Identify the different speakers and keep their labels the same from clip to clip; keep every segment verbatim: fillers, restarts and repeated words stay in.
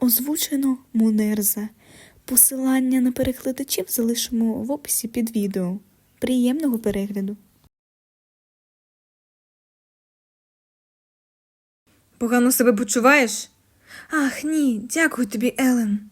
Speaker 1: Озвучено Мунерза. Посилання на перекладачів залишимо в описі під відео. Приємного перегляду!
Speaker 2: Погано себе почуваєш? Ах, ні, дякую тобі, Елен.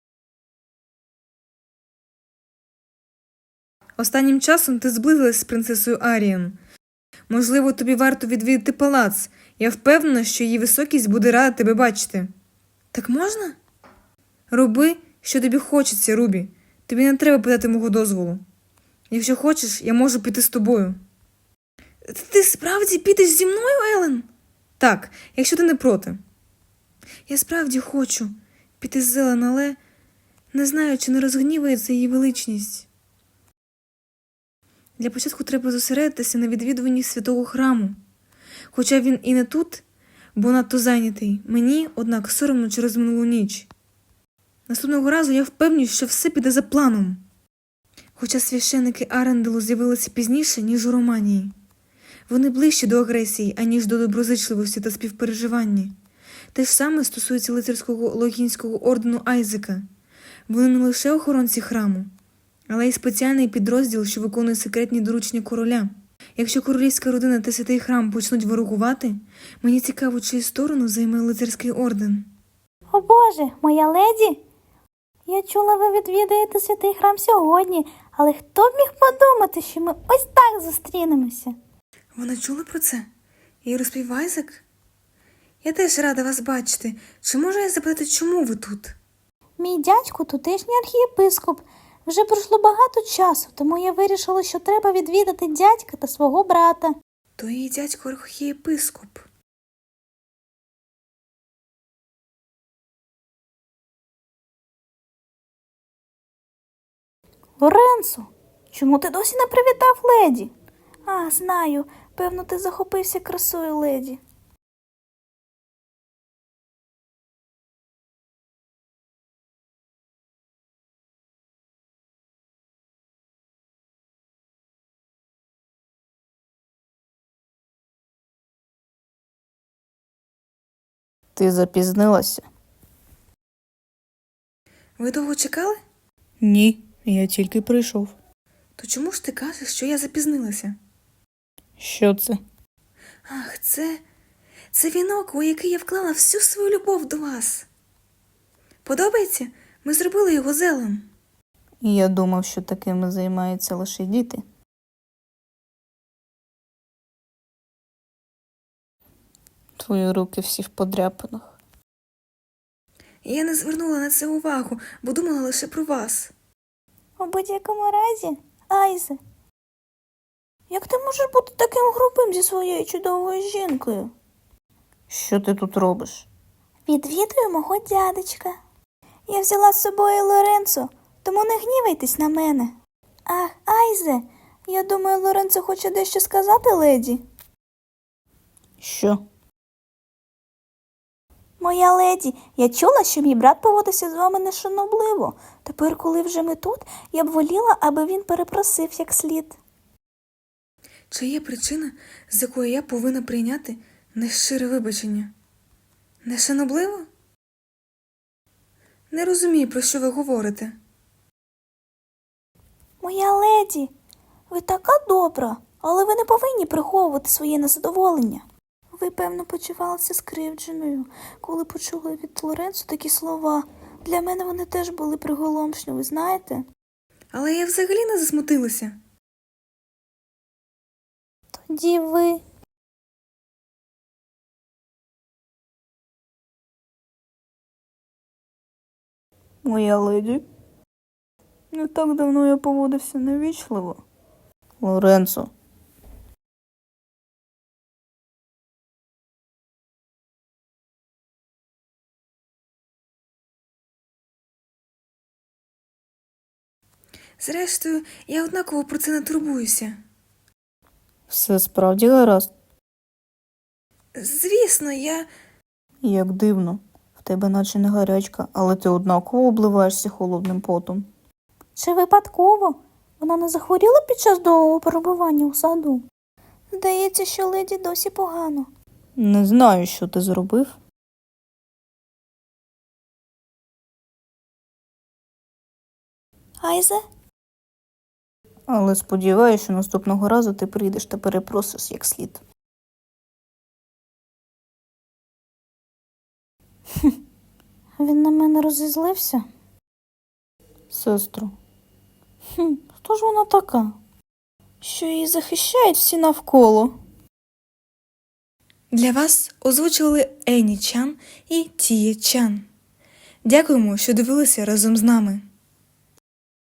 Speaker 2: Останнім часом ти зблизилась з принцесою Арієн. Можливо, тобі варто відвідати палац. Я впевнена, що її високість буде рада тебе бачити. Так можна? Роби, що тобі хочеться, Рубі. Тобі не треба питати мого дозволу. Якщо хочеш, я можу піти з тобою. Ти справді підеш зі мною, Елен? Так, якщо ти не проти. Я справді хочу піти з Елен, але не знаю, чи не розгнівається її величність. Для початку треба зосередитися на відвідуванні святого храму. Хоча він і не тут, бо надто зайнятий. Мені, однак, соромно через минулу ніч. Наступного разу я впевнююсь, що все піде за планом. Хоча священники Аренделу з'явилися пізніше, ніж у Романії. Вони ближчі до агресії, аніж до доброзичливості та співпереживання. Те ж саме стосується лицарського логінського ордену Айзека. Вони не лише охоронці храму, але й спеціальний підрозділ, що виконує секретні доручення короля. Якщо королівська родина та святий храм почнуть ворогувати, мені цікаво, чию сторону займе лицарський орден.
Speaker 3: О Боже, моя леді! Я чула, ви відвідаєте святий храм сьогодні, але хто б міг подумати, що ми ось так зустрінемося?
Speaker 2: Вона чула про це? І розповів Айзек? Я теж рада вас бачити. Чи можу я запитати, чому ви тут?
Speaker 3: Мій дядько тутешній архієпископ. Вже пройшло багато часу, тому я вирішила, що треба відвідати дядька та свого брата.
Speaker 2: То її дядько архієпископ.
Speaker 3: Лоренцо, чому ти досі не привітав леді? А, знаю, певно, ти захопився красою леді.
Speaker 4: Ти запізнилася?
Speaker 2: Ви довго чекали?
Speaker 1: Ні, я тільки прийшов.
Speaker 2: То чому ж ти кажеш, що я запізнилася?
Speaker 1: Що це?
Speaker 2: Ах, це... Це вінок, у який я вклала всю свою любов до вас. Подобається? Ми зробили його з Елен.
Speaker 4: Я думав, що такими займаються лише діти. Твої руки всі в подряпинах.
Speaker 2: Я не звернула на це увагу, бо думала лише про вас.
Speaker 3: У будь-якому разі, Айзе, як ти можеш бути таким грубим зі своєю чудовою жінкою?
Speaker 4: Що ти тут робиш?
Speaker 3: Відвідую мого дядечка. Я взяла з собою Лоренцо, тому не гнівайтесь на мене. Ах, Айзе, я думаю, Лоренцо хоче дещо сказати леді.
Speaker 4: Що?
Speaker 3: Моя леді, я чула, що мій брат поводився з вами нешанобливо. Тепер, коли вже ми тут, я б воліла, аби він перепросив як слід.
Speaker 2: Чи є причина, з якої я повинна прийняти нещире вибачення? Нешанобливо? Не розумію, про що ви говорите.
Speaker 3: Моя леді, ви така добра, але ви не повинні приховувати своє незадоволення. Ви, певно, почувалися скривдженою, коли почули від Лоренцо такі слова. Для мене вони теж були приголомшливі, знаєте?
Speaker 2: Але я взагалі не засмутилася.
Speaker 3: Тоді ви...
Speaker 4: Моя леді. Не так давно я поводився невічливо. Лоренцо.
Speaker 2: Зрештою, я однаково про це не турбуюся.
Speaker 4: Все справді гаразд?
Speaker 2: Звісно, я...
Speaker 4: Як дивно. В тебе наче не гарячка, але ти однаково обливаєшся холодним потом.
Speaker 3: Чи випадково? Вона не захворіла під час довгого перебування у саду? Здається, що леді досі погано.
Speaker 4: Не знаю, що ти зробив,
Speaker 3: Айзе?
Speaker 4: Але сподіваюся, що наступного разу ти прийдеш та перепросиш як слід.
Speaker 3: Він на мене розізлився?
Speaker 4: Сестру,
Speaker 3: Хм, хто ж вона така? Що її захищають всі навколо?
Speaker 2: Для вас озвучили Ені Чан і Тіє Чан. Дякуємо, що дивилися разом з нами.